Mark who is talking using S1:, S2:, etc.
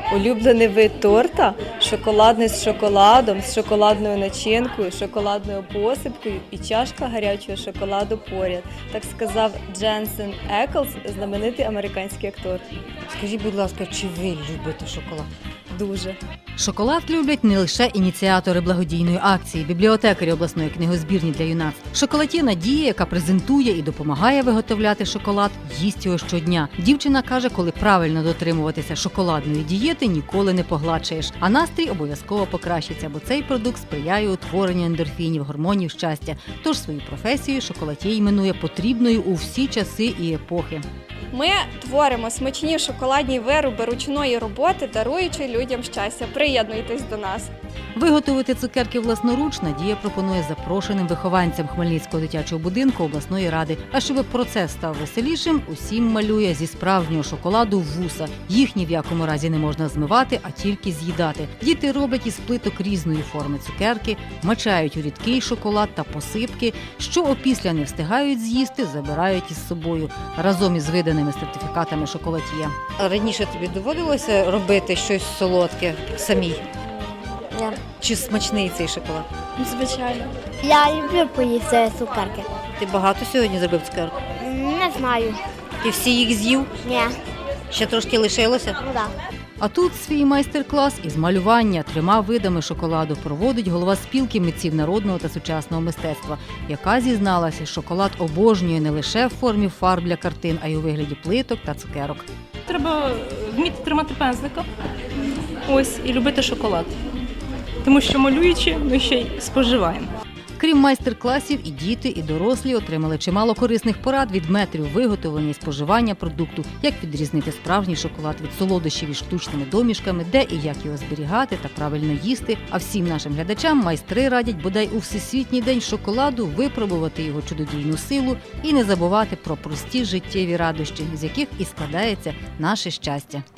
S1: Улюблений вид торта – шоколадний з шоколадом, з шоколадною начинкою, шоколадною посипкою і чашка гарячого шоколаду поряд. Так сказав Дженсен Еклс, знаменитий американський актор.
S2: Скажіть, будь ласка, чи ви любите шоколад?
S1: Дуже.
S3: Шоколад люблять не лише ініціатори благодійної акції, бібліотекарі обласної книгозбірні для юнацтв. Шоколатє Надія, яка презентує і допомагає виготовляти шоколад, їсть його щодня. Дівчина каже, коли правильно дотримуватися шоколадної дієти, ніколи не погладшаєш. А настрій обов'язково покращиться, бо цей продукт сприяє утворенню ендорфінів, гормонів щастя. Тож свою професію шоколатє іменує потрібною у всі часи і епохи.
S4: Ми творимо смачні шоколадні вироби ручної роботи, даруючи людям щастя. Приєднуйтесь до нас.
S3: Виготовити цукерки власноруч Надія пропонує запрошеним вихованцям Хмельницького дитячого будинку обласної ради. А щоб процес став веселішим, усім малює зі справжнього шоколаду вуса. Їх ні в якому разі не можна змивати, а тільки з'їдати. Діти роблять із плиток різної форми цукерки, мачають у рідкий шоколад та посипки. Що опісля не встигають з'їсти, забирають із собою разом із виданими сертифікатами шоколад'є.
S2: Раніше тобі доводилося робити щось солодке самій?
S5: Ні.
S2: Чи смачний цей шоколад?
S4: Звичайно.
S5: Я люблю поїсти цукерки.
S2: Ти багато сьогодні зробив цукерок?
S5: Не знаю.
S2: Ти всі їх з'їв?
S5: Ні.
S2: Ще трошки лишилося?
S5: Ну так.
S3: А тут свій майстер-клас із малювання 3 видами шоколаду проводить голова спілки митців народного та сучасного мистецтва, яка зізналася, шоколад обожнює не лише в формі фарб для картин, а й у вигляді плиток та цукерок.
S6: Треба вміти тримати пензлика, ось, і любити шоколад. Тому що малюючи, ми ще й споживаємо.
S3: Крім майстер-класів, і діти, і дорослі отримали чимало корисних порад від метрів виготовлення і споживання продукту, як відрізнити справжній шоколад від солодощів із штучними домішками, де і як його зберігати та правильно їсти. А всім нашим глядачам майстри радять бодай у Всесвітній день шоколаду випробувати його чудодійну силу і не забувати про прості життєві радощі, з яких і складається наше щастя.